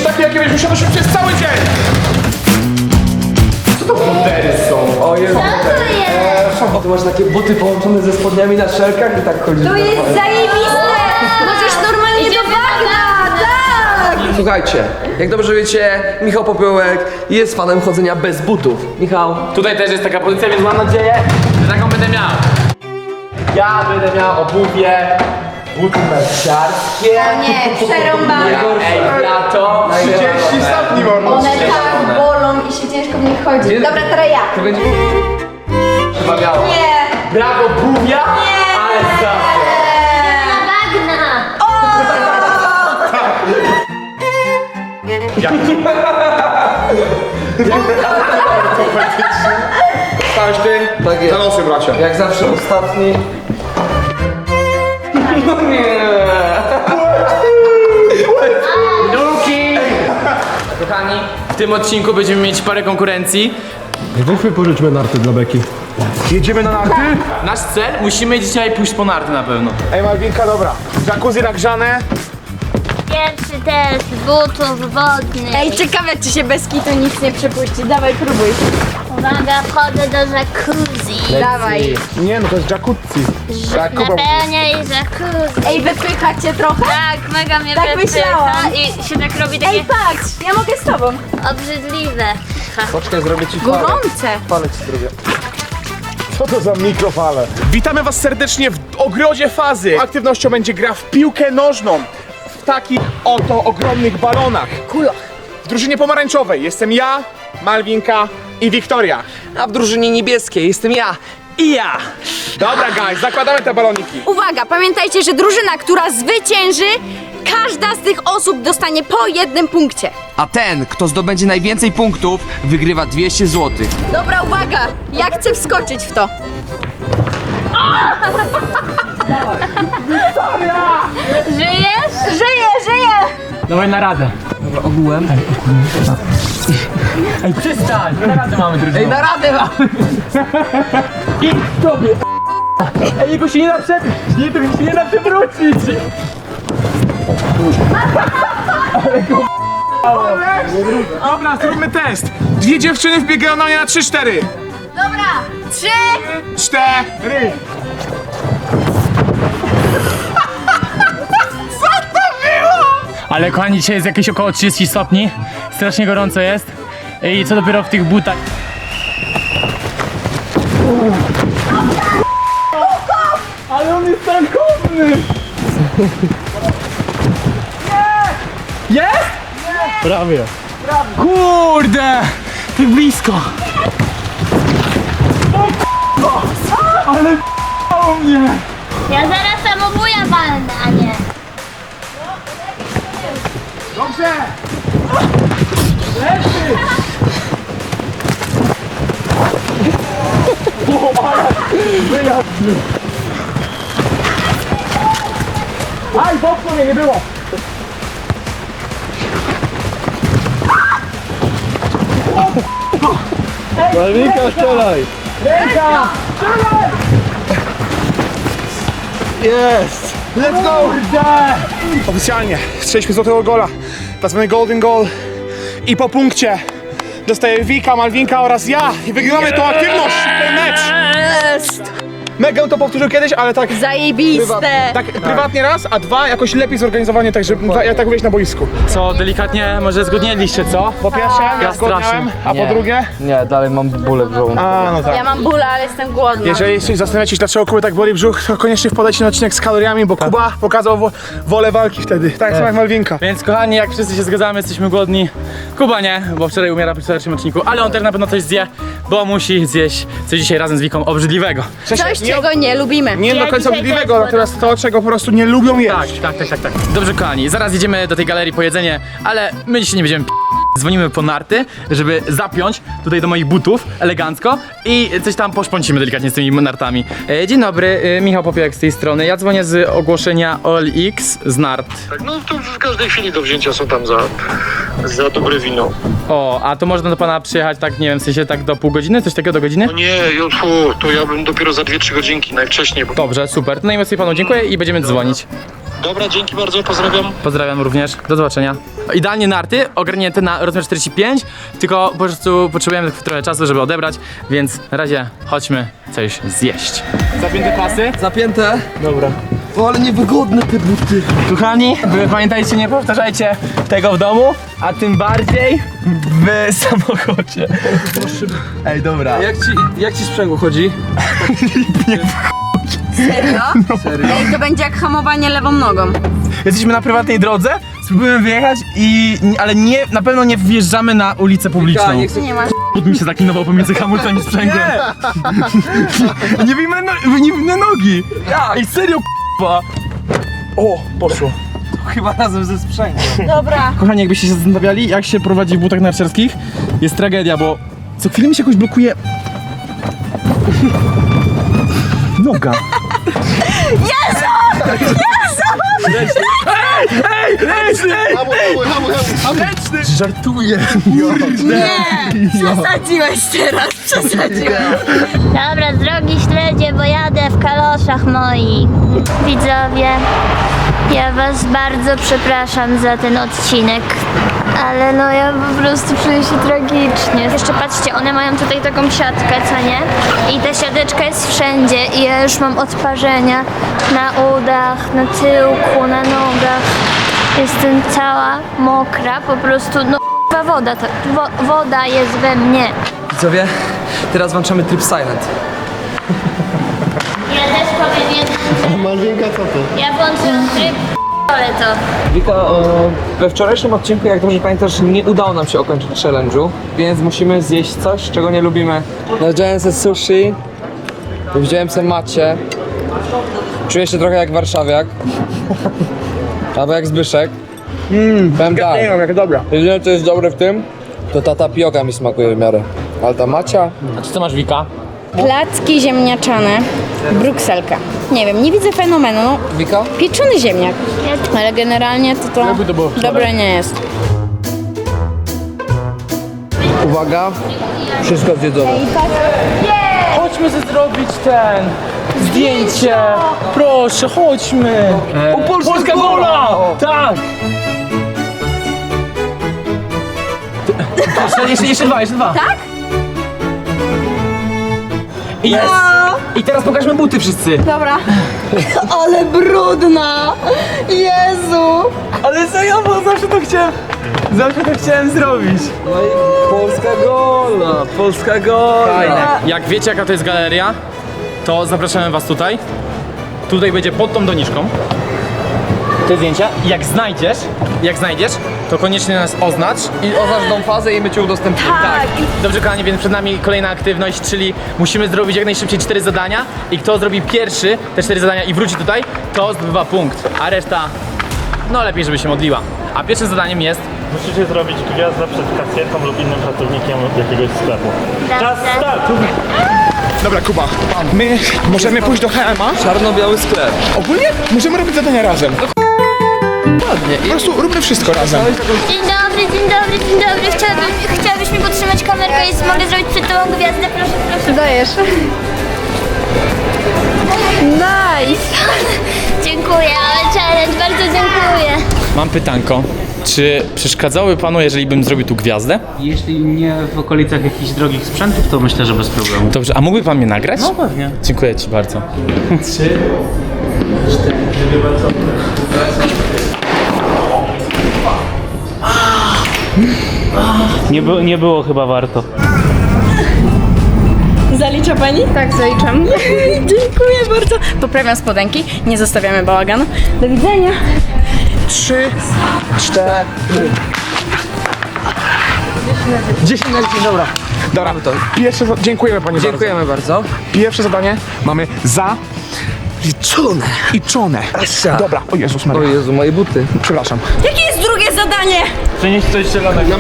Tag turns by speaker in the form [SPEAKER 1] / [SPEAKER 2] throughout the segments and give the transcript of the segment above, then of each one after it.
[SPEAKER 1] takie, jakie będziesz musiał nosić przez cały dzień. Co to butery są? O Jezu.
[SPEAKER 2] O, ty masz takie buty połączone ze spodniami na szelkach i tak chodzisz.
[SPEAKER 3] To jest zajebiste! Możesz normalnie do bagna, tak!
[SPEAKER 2] Słuchajcie, jak dobrze wiecie, Michał Popiołek jest fanem chodzenia bez butów. Michał,
[SPEAKER 1] Tutaj też jest taka pozycja, więc mam nadzieję, że taką będę miał. Ja będę miał obuwie, buty narciarskie.
[SPEAKER 3] O nie, przerąbane.
[SPEAKER 1] Ej, lato.
[SPEAKER 4] 30 stopni mordo.
[SPEAKER 3] One tak bolą i się ciężko w nich chodzi. Dobra, teraz ja.
[SPEAKER 2] to będzie... Chyba miało.
[SPEAKER 3] Nie!
[SPEAKER 1] Brawo, bubia, ale zawsze.
[SPEAKER 3] Bagna!
[SPEAKER 4] Stałeś ty?
[SPEAKER 2] Tak jest.
[SPEAKER 4] Za nosy, bracia.
[SPEAKER 2] Jak zawsze ostatni. No nie.
[SPEAKER 1] Nuki! Kochani, w tym odcinku będziemy mieć parę konkurencji.
[SPEAKER 5] Weźmy pożyczmy narty dla Beki.
[SPEAKER 4] Jedziemy na narty?
[SPEAKER 1] Nasz cel, musimy dzisiaj pójść po narty na pewno.
[SPEAKER 4] Ej, Malwinka, dobra. Jacuzzi nagrzane.
[SPEAKER 6] Pierwszy test butów wodnych.
[SPEAKER 3] Ej, ciekawe czy się bez kitu nic nie przepuści. Dawaj, próbuj.
[SPEAKER 6] Uwaga, wchodzę do jacuzzi.
[SPEAKER 3] Dawaj.
[SPEAKER 4] Nie, no to jest jacuzzi.
[SPEAKER 6] Napełniaj jacuzzi.
[SPEAKER 3] Ej, wypycha cię trochę?
[SPEAKER 6] Tak, mega mnie
[SPEAKER 3] Tak
[SPEAKER 6] wypycha
[SPEAKER 3] myślałam.
[SPEAKER 6] i się tak robi takie
[SPEAKER 3] Ej, patrz, ja mogę z tobą.
[SPEAKER 6] obrzydliwe.
[SPEAKER 2] Poczekaj, zrobię ci falę.
[SPEAKER 3] Gorące.
[SPEAKER 2] Falę ci zrobię.
[SPEAKER 4] Co to za mikrofale? Witamy was serdecznie w ogrodzie fazy. Aktywnością będzie gra w piłkę nożną. W takich oto ogromnych balonach.
[SPEAKER 3] Kulach.
[SPEAKER 4] W drużynie pomarańczowej jestem ja, Malwinka i Wiktoria.
[SPEAKER 2] A w drużynie niebieskiej jestem ja i ja.
[SPEAKER 4] Dobra, guys, zakładamy te baloniki.
[SPEAKER 3] Uwaga, pamiętajcie, że drużyna, która zwycięży, każda z tych osób dostanie po jednym punkcie.
[SPEAKER 7] A ten, kto zdobędzie najwięcej punktów, wygrywa 200 zł.
[SPEAKER 3] Dobra, uwaga, ja chcę wskoczyć w to.
[SPEAKER 6] Żyjesz?
[SPEAKER 3] Żyję!
[SPEAKER 1] Dawaj na radę.
[SPEAKER 2] Dobra, ogółem.
[SPEAKER 1] Ej, przestań, na radę mamy drużynę.
[SPEAKER 2] Ej, na radę mamy.
[SPEAKER 1] I tobie. Ej, jego się nie da nie da przewrócić.
[SPEAKER 4] Dobra, zróbmy test. Dwie dziewczyny wbiegają na mnie na 3-4.
[SPEAKER 3] Dobra, 3.
[SPEAKER 4] 4.
[SPEAKER 1] Ale kochani, dzisiaj jest jakieś około 30 stopni. Strasznie gorąco jest. I co dopiero w tych butach. Ale on jest tankowny! Nie! Jest?
[SPEAKER 5] Prawie.
[SPEAKER 1] Kurde! Tak blisko! Ale o mnie!
[SPEAKER 6] Ja zaraz samobuja walnę, a nie.
[SPEAKER 4] Dobrze.
[SPEAKER 1] Aj, popchnął mnie, nie było!
[SPEAKER 5] Malwinka, strzelaj!
[SPEAKER 1] Ręka!
[SPEAKER 4] Jest. Let's go. Oficjalnie strzeliśmy złotego gola. Tak zwany golden goal. I po punkcie dostaje Wika, Malwinka oraz ja. I wygrywamy tą aktywność, ten mecz. Megę to powtórzył kiedyś, ale tak
[SPEAKER 3] Zajebiste.
[SPEAKER 4] tak prywatnie raz, a dwa jakoś lepiej zorganizowanie, tak żeby jak tak wyjść na boisku.
[SPEAKER 1] Co, delikatnie może zgodnieliście, co?
[SPEAKER 4] Po pierwsze, ja
[SPEAKER 1] Ja
[SPEAKER 4] zgodniałem,
[SPEAKER 1] strasznie.
[SPEAKER 4] a po drugie...
[SPEAKER 2] Nie, dalej mam bóle w żołądku.
[SPEAKER 4] A, no tak.
[SPEAKER 3] Ja mam bóle, ale jestem głodna.
[SPEAKER 4] Jeżeli się zastanawiacie, dlaczego Kuby tak boli brzuch, to koniecznie wpadajcie na odcinek z kaloriami, bo Kuba pokazał wolę walki wtedy, tak samo jak Malwinka.
[SPEAKER 1] Więc kochani, jak wszyscy się zgadzamy, jesteśmy głodni. Kuba nie, bo wczoraj umiera przy wczorajszym odcinku, ale on też na pewno coś zje, bo musi zjeść coś dzisiaj razem z Wiką obrzydliwego.
[SPEAKER 3] Coś, czego nie lubimy.
[SPEAKER 4] Nie do końca
[SPEAKER 6] dzisiaj
[SPEAKER 4] obrzydliwego,
[SPEAKER 6] też
[SPEAKER 4] natomiast to, czego po prostu nie lubią jeść.
[SPEAKER 1] Tak. Dobrze kochani, zaraz jedziemy do tej galerii po jedzenie, ale my dzisiaj nie będziemy dzwonimy po narty, żeby zapiąć tutaj do moich butów elegancko i coś tam poszpącimy delikatnie z tymi nartami. Dzień dobry, Michał Popiołek z tej strony. Ja dzwonię z ogłoszenia OLX z nart.
[SPEAKER 8] No to w każdej chwili do wzięcia są tam za dobre wino.
[SPEAKER 1] O, a to można do pana przyjechać tak, nie wiem, w sensie tak do pół godziny, coś takiego do godziny?
[SPEAKER 8] No nie, to ja bym dopiero za 2-3 godzinki najwcześniej, bo...
[SPEAKER 1] Dobrze, super. To najmocniej panu dziękuję i będziemy dzwonić.
[SPEAKER 8] Dobra, dzięki bardzo, pozdrawiam.
[SPEAKER 1] Pozdrawiam również, do zobaczenia. Idealnie narty, ogarnięte na rozmiar 45, tylko po prostu potrzebujemy trochę czasu, żeby odebrać, więc na razie chodźmy coś zjeść. Zapięte pasy?
[SPEAKER 2] Zapięte.
[SPEAKER 1] Dobra.
[SPEAKER 2] O, ale niewygodne te buty.
[SPEAKER 1] Kochani, wy pamiętajcie, nie powtarzajcie tego w domu, a tym bardziej w samochodzie. Ej, dobra.
[SPEAKER 2] Jak ci sprzęgło chodzi?
[SPEAKER 3] Serio? Ej, to będzie jak hamowanie lewą nogą.
[SPEAKER 1] Jesteśmy na prywatnej drodze, spróbujemy wyjechać ale nie, na pewno nie wjeżdżamy na ulicę publiczną.
[SPEAKER 2] nie chcę...
[SPEAKER 3] Nie masz.
[SPEAKER 1] But mi się zaklinował pomiędzy hamulcem i sprzęgłem. Nie wyjmę nogi.
[SPEAKER 2] Jak?
[SPEAKER 1] Ej, serio, k***a. O, poszło.
[SPEAKER 2] Chyba razem ze sprzęgłem.
[SPEAKER 3] Dobra.
[SPEAKER 1] Kochani, jakbyście się zastanawiali, jak się prowadzi w butach narciarskich, jest tragedia, bo co chwilę mi się jakoś blokuje noga.
[SPEAKER 5] Żartuję.
[SPEAKER 3] Nie! Przesadziłeś teraz, przesadziłeś.
[SPEAKER 6] Dobra, drogi śledzie, bo jadę w kaloszach moich. Widzowie, ja was bardzo przepraszam za ten odcinek. Ale no ja po prostu czuję się tragicznie. Jeszcze patrzcie, one mają tutaj taką siatkę, co nie? I ta siateczka jest wszędzie i ja już mam odparzenia na udach, na tyłku, na nogach. Jestem cała mokra, po prostu no woda, woda jest we mnie.
[SPEAKER 2] Widzowie, teraz włączamy tryb silent.
[SPEAKER 6] Ja też powiem jedno.
[SPEAKER 5] Malwinka, co ty?
[SPEAKER 6] Ja włączyłam tryb, ale to.
[SPEAKER 2] Wika, we wczorajszym odcinku, jak dobrze pamiętasz, nie udało nam się ukończyć challenge'u, więc musimy zjeść coś, czego nie lubimy. Nadziałem sobie sushi, wziąłem sobie macie, czuję się trochę jak warszawiak, albo jak Zbyszek. Powiem tak,
[SPEAKER 4] jak dobra.
[SPEAKER 2] jedyne co jest dobre w tym, to ta tapioka mi smakuje w miarę, ale ta macia...
[SPEAKER 1] A co masz, Wika?
[SPEAKER 3] Placki ziemniaczane, brukselka. Nie wiem, nie widzę fenomenu. No,
[SPEAKER 2] Wika?
[SPEAKER 3] pieczony ziemniak. Ale generalnie to dobre nie jest.
[SPEAKER 2] Uwaga, wszystko zjedzone.
[SPEAKER 1] Chodźmy zrobić zdjęcie. Proszę, chodźmy. Polska gola! Tak! Jeszcze dwa. Tak? I jest. I teraz pokażmy buty wszyscy.
[SPEAKER 3] Dobra. Ale brudna! Jezu!
[SPEAKER 1] Ale serio, bo zawsze to chciałem zrobić.
[SPEAKER 2] No i Polska gola.
[SPEAKER 1] Fajne. Jak wiecie, jaka to jest galeria, to zapraszamy was tutaj. Tutaj będzie pod tą doniczką te zdjęcia. Jak znajdziesz, to koniecznie nas oznacz.
[SPEAKER 2] I oznacz tą fazę i my cię udostępnimy.
[SPEAKER 1] Tak. Dobrze, kochani, więc przed nami kolejna aktywność, czyli musimy zrobić jak najszybciej 4 zadania i kto zrobi pierwszy te 4 zadania i wróci tutaj, to zdobywa punkt, a reszta, no lepiej, żeby się modliła. A pierwszym zadaniem jest...
[SPEAKER 5] Musicie zrobić gwiazdę przed kasjerką lub innym pracownikiem jakiegoś sklepu. Czas start!
[SPEAKER 4] Dobra, Kuba, my możemy pójść do HM-a.
[SPEAKER 2] Czarno-biały sklep.
[SPEAKER 4] Ogólnie możemy robić zadania razem.
[SPEAKER 2] Ładnie.
[SPEAKER 4] Po prostu róbmy wszystko razem.
[SPEAKER 6] Dzień dobry. Chciałabyś mi podtrzymać kamerkę i mogę zrobić przed tobą gwiazdę? Proszę.
[SPEAKER 3] Dajesz.
[SPEAKER 6] Nice. Dziękuję, ale challenge, bardzo dziękuję.
[SPEAKER 1] Mam pytanko, czy przeszkadzałoby panu, jeżeli bym zrobił tu gwiazdę?
[SPEAKER 9] Jeśli nie w okolicach jakichś drogich sprzętów, to myślę, że bez problemu.
[SPEAKER 1] Dobrze, a mógłby pan mnie nagrać?
[SPEAKER 9] No pewnie.
[SPEAKER 1] Dziękuję ci bardzo. 3, 4, bardzo.
[SPEAKER 9] Nie było chyba warto.
[SPEAKER 3] Zalicza pani? Tak, zaliczam. Dziękuję bardzo. Poprawiam spodenki, nie zostawiamy bałaganu. Do widzenia.
[SPEAKER 4] 3, 4. 10 na 10, dobra. Dobra, pierwsze dziękujemy pani
[SPEAKER 2] Dziękujemy bardzo.
[SPEAKER 4] bardzo. Pierwsze zadanie mamy zaliczone. Dobra, o Jezus
[SPEAKER 2] O
[SPEAKER 4] Maria.
[SPEAKER 2] Jezu, moje buty.
[SPEAKER 4] Przepraszam.
[SPEAKER 3] Jakie jest drugie zadanie?
[SPEAKER 9] Przenieść coś zielonego.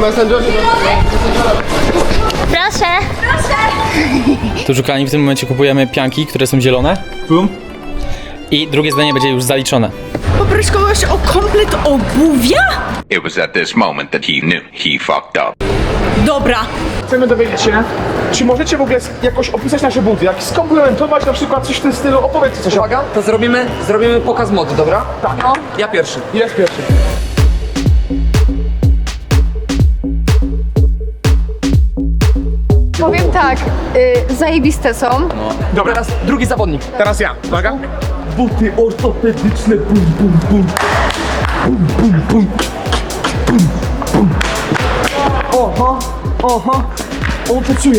[SPEAKER 6] Proszę.
[SPEAKER 1] Tu szukani w tym momencie kupujemy pianki, które są zielone. Bum. I drugie zdanie będzie już zaliczone.
[SPEAKER 3] Poproś kogoś o komplet obuwia?
[SPEAKER 10] It was at this moment that he knew he fucked up.
[SPEAKER 3] Dobra.
[SPEAKER 4] Chcemy dowiedzieć się, czy możecie w ogóle jakoś opisać nasze buty, jak skomplementować na przykład coś w tym stylu, opowiedz coś.
[SPEAKER 2] Uwaga, to zrobimy pokaz mody, dobra? Tak. Ja pierwszy.
[SPEAKER 4] Jest pierwszy.
[SPEAKER 3] Powiem tak, zajebiste są.
[SPEAKER 4] Dobra,
[SPEAKER 2] Teraz drugi zawodnik.
[SPEAKER 4] teraz ja, uwaga. Buty ortopedyczne, bum, bum, bum. Bum, bum, bum. Bum, bum. Oho, oho. On to czuje,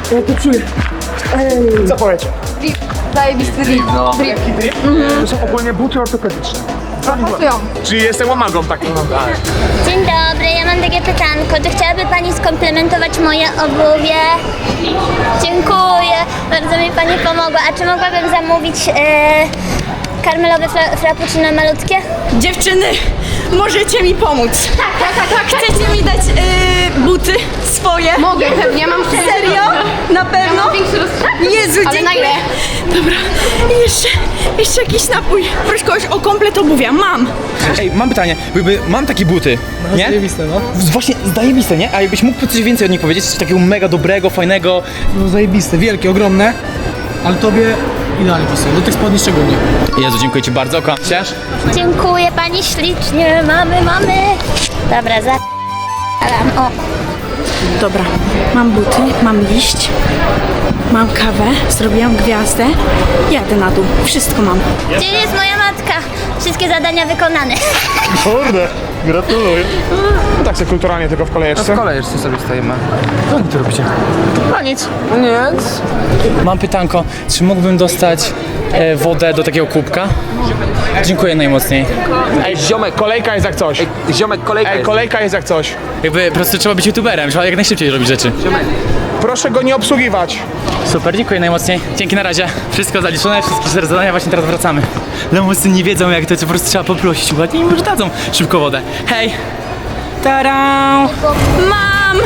[SPEAKER 4] Ej. Co powiecie?
[SPEAKER 3] Zajebisty drip.
[SPEAKER 4] To są ogólnie buty ortopedyczne.
[SPEAKER 3] Pasują.
[SPEAKER 4] Czyli jestem łamagą takim.
[SPEAKER 6] Dzień dobry, ja mam takie pytanko. Czy chciałaby Pani skomplementować moje obuwie? Dziękuję, bardzo mi Pani pomogła. A czy mogłabym zamówić karmelowe frappuccino malutkie?
[SPEAKER 3] Dziewczyny, możecie mi pomóc. Tak. Chcecie mi dać buty swoje? Mogę, pewnie, mam serio? Na pewno? Jezu, ale dziękuję. Dobra, i jeszcze jakiś napój. Proszę kogoś o komplet obuwia, mam.
[SPEAKER 1] Ej, mam pytanie, mam takie buty, nie?
[SPEAKER 2] Zajebiste, no.
[SPEAKER 1] Właśnie, zajebiste, nie? A jakbyś mógł coś więcej od nich powiedzieć, coś takiego mega dobrego, fajnego.
[SPEAKER 11] No zajebiste, wielkie, ogromne, ale tobie idealnie pasują, do tych spodni szczególnie.
[SPEAKER 1] Jezu, dziękuję Ci bardzo, Ciesz?
[SPEAKER 6] Dziękuję Pani ślicznie, mamy. Dobra, o.
[SPEAKER 3] Dobra, mam buty, mam liść, mam kawę, zrobiłam gwiazdę, jadę na dół, wszystko mam.
[SPEAKER 6] Gdzie jest moja matka? Wszystkie zadania wykonane.
[SPEAKER 4] Kurde, gratuluję. No tak sobie kulturalnie tylko w kolejeczce.
[SPEAKER 2] W kolejeczce sobie stoimy.
[SPEAKER 1] Co Wy tu robicie?
[SPEAKER 4] A nic.
[SPEAKER 2] Nic.
[SPEAKER 1] Mam pytanko, czy mógłbym dostać wodę do takiego kubka? Dziękuję najmocniej.
[SPEAKER 4] Ej, ziomek, kolejka jest jak coś.
[SPEAKER 2] Ziomek, kolejka
[SPEAKER 4] Ej,
[SPEAKER 2] jest.
[SPEAKER 4] kolejka jest jak coś.
[SPEAKER 1] Jakby po prostu trzeba być youtuberem, trzeba jak najszybciej robić rzeczy.
[SPEAKER 4] Proszę go nie obsługiwać.
[SPEAKER 1] Super, dziękuję najmocniej. Dzięki, na razie. Wszystko zaliczone, wszystkie 4 zadania, właśnie teraz wracamy. Lemusy nie wiedzą jak to, po prostu trzeba poprosić ładnie i może dadzą szybko wodę. Hej! Tadam!
[SPEAKER 3] Mam!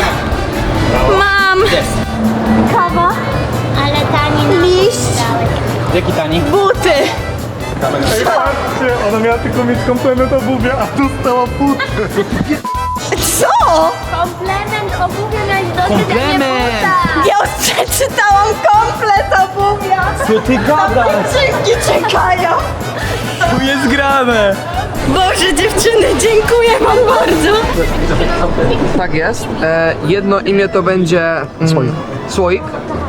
[SPEAKER 6] Kawa, ale tani
[SPEAKER 3] Liść.
[SPEAKER 1] Jaki tani?
[SPEAKER 3] Buty!
[SPEAKER 4] Patrzcie, ona miała tylko mieć komplement obuwia, a dostała buty.
[SPEAKER 3] Co?
[SPEAKER 6] komplement obuwia miałeś dosyć,
[SPEAKER 2] Komplement.
[SPEAKER 3] Ja już przeczytałam komplet obuwia!
[SPEAKER 1] Co ty gadasz?
[SPEAKER 3] Dzięki czekają!
[SPEAKER 1] Tu jest grane!
[SPEAKER 3] Boże dziewczyny, dziękuję wam bardzo!
[SPEAKER 2] Tak jest. Jedno imię to będzie Słoik.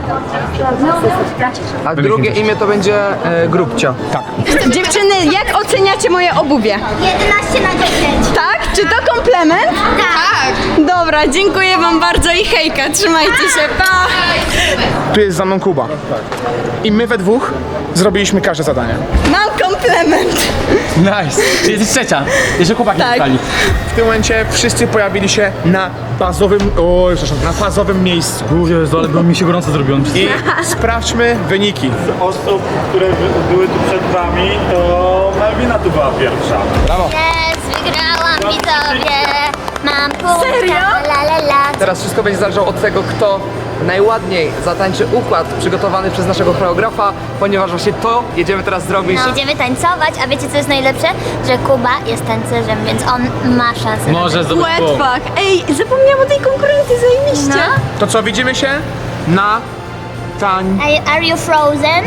[SPEAKER 2] A drugie imię to będzie Grubcia.
[SPEAKER 3] Dziewczyny, jak oceniacie moje obuwie?
[SPEAKER 6] 11 na 10.
[SPEAKER 3] Tak? Czy to komplement? Tak! Dobra, dziękuję wam bardzo i hejka, trzymajcie się, pa!
[SPEAKER 4] Tu jest za mną Kuba. I my we dwóch zrobiliśmy każde zadanie.
[SPEAKER 3] Mam komplement!
[SPEAKER 1] Nice! Czyli jesteś trzecia. Jeszcze chłopaki
[SPEAKER 3] Tak.
[SPEAKER 1] zostali.
[SPEAKER 4] W tym momencie wszyscy pojawili się na na fazowym miejscu.
[SPEAKER 1] Jezu, ale mi się gorąco zrobiło.
[SPEAKER 4] I sprawdźmy wyniki.
[SPEAKER 5] Osób, które były tu przed Wami, to Malwina tu była pierwsza.
[SPEAKER 6] Jest, wygrałam widzowie. Mam punkt.
[SPEAKER 3] Serio?
[SPEAKER 6] La.
[SPEAKER 2] Teraz wszystko będzie zależało od tego, kto najładniej zatańczy układ przygotowany przez naszego choreografa, ponieważ właśnie to jedziemy teraz zrobić.
[SPEAKER 6] Idziemy tańcować, a wiecie co jest najlepsze? Że Kuba jest tancerzem, więc on ma szansę.
[SPEAKER 1] Może zdobyć punkt.
[SPEAKER 3] Wetback! Ej, zapomniałam o tej konkurencji, zajebiście!
[SPEAKER 4] To co, widzimy się na
[SPEAKER 6] Are you frozen?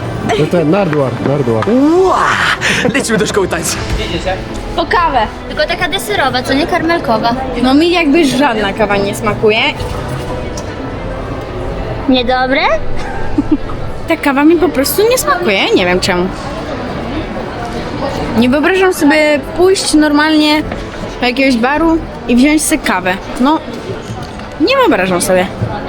[SPEAKER 1] Lecimy do szkoły tańca.
[SPEAKER 3] Po kawę!
[SPEAKER 6] Tylko taka deserowa, co nie karmelkowa.
[SPEAKER 3] No mi jakby żadna kawa nie smakuje.
[SPEAKER 6] Niedobre?
[SPEAKER 3] Ta kawa mi po prostu nie smakuje, nie wiem czemu. Nie wyobrażam sobie pójść normalnie do jakiegoś baru i wziąć sobie kawę. No, nie wyobrażam sobie.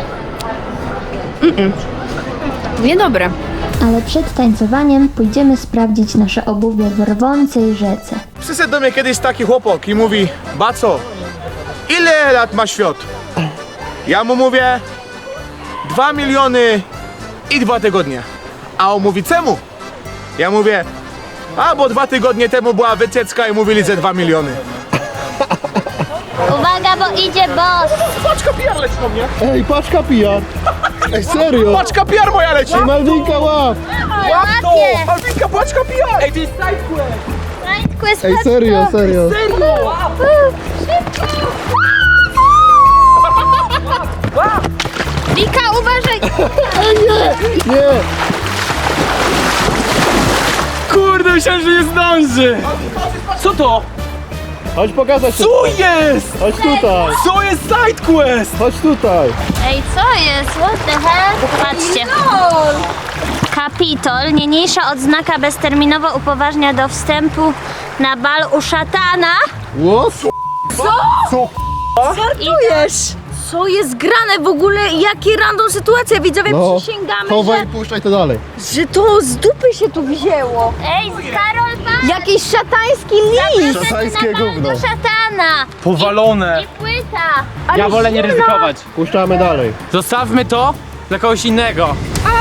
[SPEAKER 3] Niedobre.
[SPEAKER 6] Ale przed tańcowaniem pójdziemy sprawdzić nasze obuwie w rwącej rzece.
[SPEAKER 4] Przyszedł do mnie kiedyś taki chłopak i mówi: Baco, ile lat ma świat? Ja mu mówię 2 miliony i 2 tygodnie. A on mówi: czemu? Ja mówię: a bo 2 tygodnie temu była wycieczka i mówili, że 2 miliony.
[SPEAKER 6] Uwaga, bo idzie boss!
[SPEAKER 4] Paczka PR leci do mnie.
[SPEAKER 11] Ej, paczka PR! Ej, serio?
[SPEAKER 4] Paczka PR moja leci.
[SPEAKER 11] Malwinka, łap!
[SPEAKER 4] Łap to! Malwinka, paczka PR! Ej,
[SPEAKER 6] Right quest,
[SPEAKER 11] Ej, serio, serio.
[SPEAKER 6] Wika, uważaj!
[SPEAKER 11] Nie!
[SPEAKER 1] Kurde, myślałem, że nie zdąży! Co to?
[SPEAKER 11] Chodź pokazać się.
[SPEAKER 1] Co jest?
[SPEAKER 11] Chodź tutaj.
[SPEAKER 1] Co jest sidequest?
[SPEAKER 11] Chodź tutaj.
[SPEAKER 6] Ej, co jest? What the hell? Patrzcie. Kapitol, niniejsza odznaka bezterminowo upoważnia do wstępu na bal u szatana.
[SPEAKER 11] What?
[SPEAKER 3] Żartujesz! Co jest grane w ogóle? Jakie random sytuacja? Widzowie,
[SPEAKER 11] No,
[SPEAKER 3] przysięgamy,
[SPEAKER 11] chowaj i puszczaj to dalej.
[SPEAKER 3] że to z dupy się tu wzięło.
[SPEAKER 6] Ej, Karol, patrz!
[SPEAKER 3] Jakiś szatański list!
[SPEAKER 11] Szatańskie
[SPEAKER 6] Na bal
[SPEAKER 11] gówno.
[SPEAKER 6] do szatana!
[SPEAKER 1] Powalone.
[SPEAKER 6] I płyta!
[SPEAKER 1] Ja wolę nie ryzykować.
[SPEAKER 11] Puszczamy dalej.
[SPEAKER 1] Zostawmy to dla kogoś innego.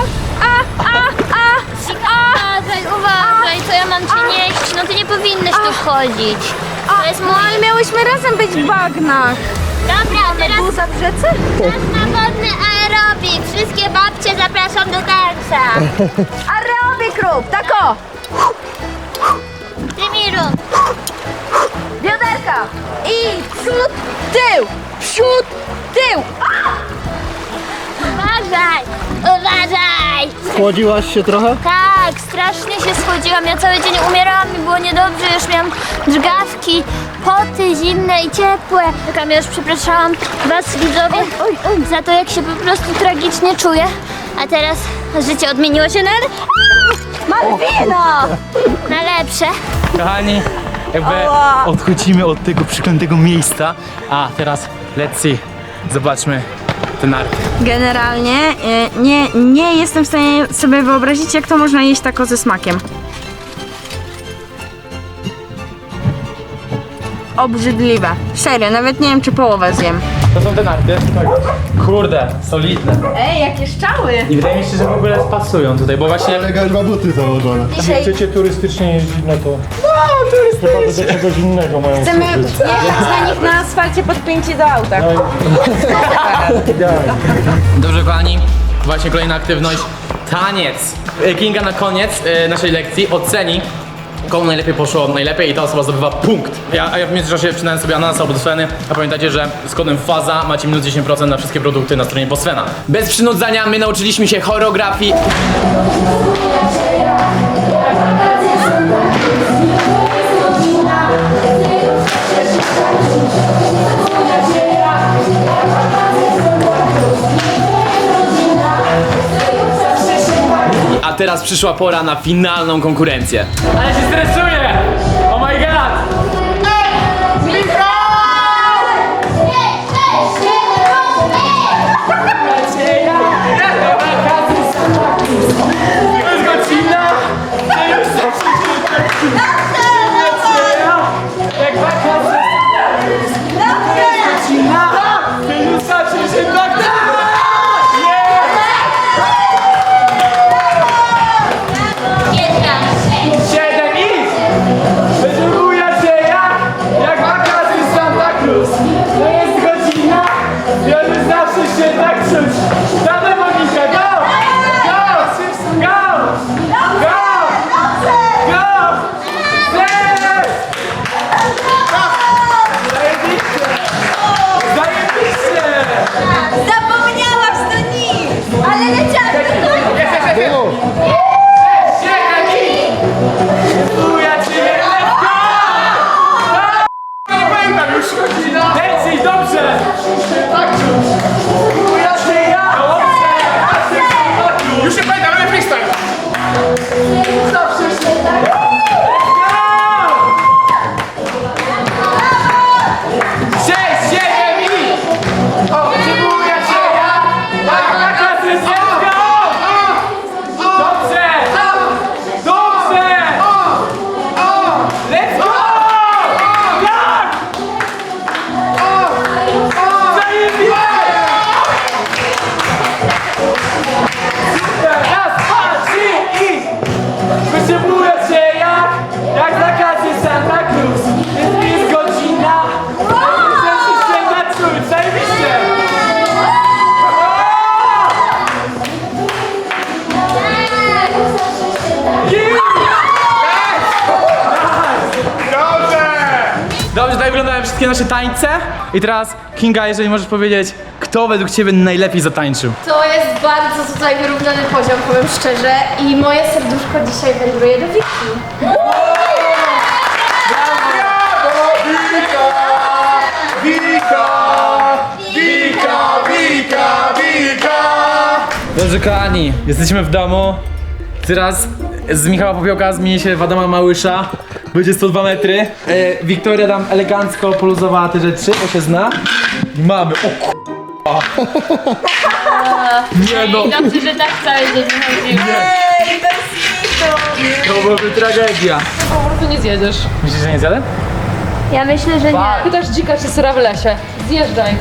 [SPEAKER 6] Uważaj, co ja mam ci nieść? No ty nie powinnyś tu wchodzić. To jest mój...
[SPEAKER 3] Ale miałyśmy razem być w bagnach.
[SPEAKER 6] Dobra, teraz
[SPEAKER 3] Buza w rzece?
[SPEAKER 6] czas na wodny aerobik. Wszystkie babcie zapraszam do tańca.
[SPEAKER 3] Aerobik rób, tako!
[SPEAKER 6] Tymiru,
[SPEAKER 3] Bioderka! I przód, tył! Przód, tył!
[SPEAKER 6] uważaj! Uważaj!
[SPEAKER 11] Schłodziłaś się trochę?
[SPEAKER 6] Tak, strasznie się schodziłam. Ja cały dzień umierałam, mi było niedobrze, już miałam drgawki, poty zimne i ciepłe. Taka już przepraszałam was, widzowie, za to, jak się po prostu tragicznie czuję. A teraz życie odmieniło się na...
[SPEAKER 3] Malwino!
[SPEAKER 6] na lepsze.
[SPEAKER 1] Kochani, jakby odchodzimy od tego przeklętego miejsca. A teraz let's see. Zobaczmy te narty.
[SPEAKER 3] Generalnie nie jestem w stanie sobie wyobrazić, jak to można jeść tako ze smakiem. Obrzydliwe. Serio, nawet nie wiem, czy połowę zjem.
[SPEAKER 1] To są te narty. Kurde, solidne.
[SPEAKER 3] Ej, jakie szczały!
[SPEAKER 1] I wydaje mi się, że w ogóle pasują tutaj, bo właśnie...
[SPEAKER 11] Elegancko ma buty założone.
[SPEAKER 5] Chcecie turystycznie jeździć, no to chyba do czegoś innego mają
[SPEAKER 3] Chcemy
[SPEAKER 5] służyć.
[SPEAKER 3] jechać na nich na asfalcie podpięci do auta.
[SPEAKER 1] Dobrze, kochani, właśnie kolejna aktywność. Taniec. Kinga na koniec naszej lekcji oceni, komu najlepiej poszło najlepiej i ta osoba zdobywa punkt. A ja w międzyczasie wcinałem sobie ananasa od Sweny, a pamiętajcie, że z kodem FAZA macie minus 10% na wszystkie produkty na stronie Bosfena. Bez przynudzania my nauczyliśmy się choreografii. A teraz przyszła pora na finalną konkurencję. Ale się stresuję! Oh my god!
[SPEAKER 3] Zapomniałam z do nich! Ale leciałam do końca!
[SPEAKER 1] Leci, dobrze!
[SPEAKER 4] Już się pamiętam, ale freestyle!
[SPEAKER 1] Let's go! Dobrze, tak wyglądają wszystkie nasze tańce. I teraz, Kinga, jeżeli możesz powiedzieć, kto według ciebie najlepiej zatańczył?
[SPEAKER 3] To jest bardzo tutaj wyrównany poziom, powiem szczerze. I moje serduszko dzisiaj wędruje do Wiki.
[SPEAKER 1] Dobrze, kochani, jesteśmy w domu. Teraz z Michała Popiołka zmieni się w Adama Małysza. Będzie 102 metry. Wiktoria tam elegancko poluzowała te rzeczy, bo się zna. I mamy, o k***a. Nie no,
[SPEAKER 6] Dobrze, że tak całe dzień chodziło.
[SPEAKER 1] to byłaby tragedia.
[SPEAKER 3] Po prostu nie zjedziesz.
[SPEAKER 1] Myślisz, że nie zjadę?
[SPEAKER 6] Ja myślę, że nie.
[SPEAKER 3] Pytasz dzika czy syra w lesie. Zjeżdżaj.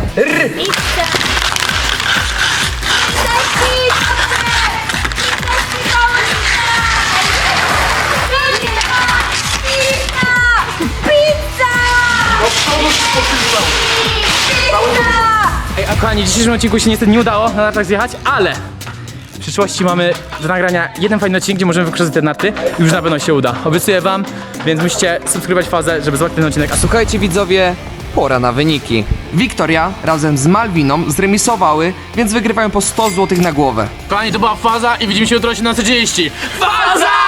[SPEAKER 1] Ej, a kochani, w dzisiejszym odcinku się niestety nie udało na nartach zjechać, ale w przyszłości mamy do nagrania jeden fajny odcinek, gdzie możemy wykorzystać te narty i już na pewno się uda. Obiecuję wam, więc musicie subskrybować fazę, żeby zobaczyć ten odcinek.
[SPEAKER 7] Słuchajcie widzowie, pora na wyniki. Wiktoria razem z Malwiną zremisowały, więc wygrywają po 100 zł na głowę.
[SPEAKER 1] Kochani, to była faza i widzimy się jutro o 17:30. Faza!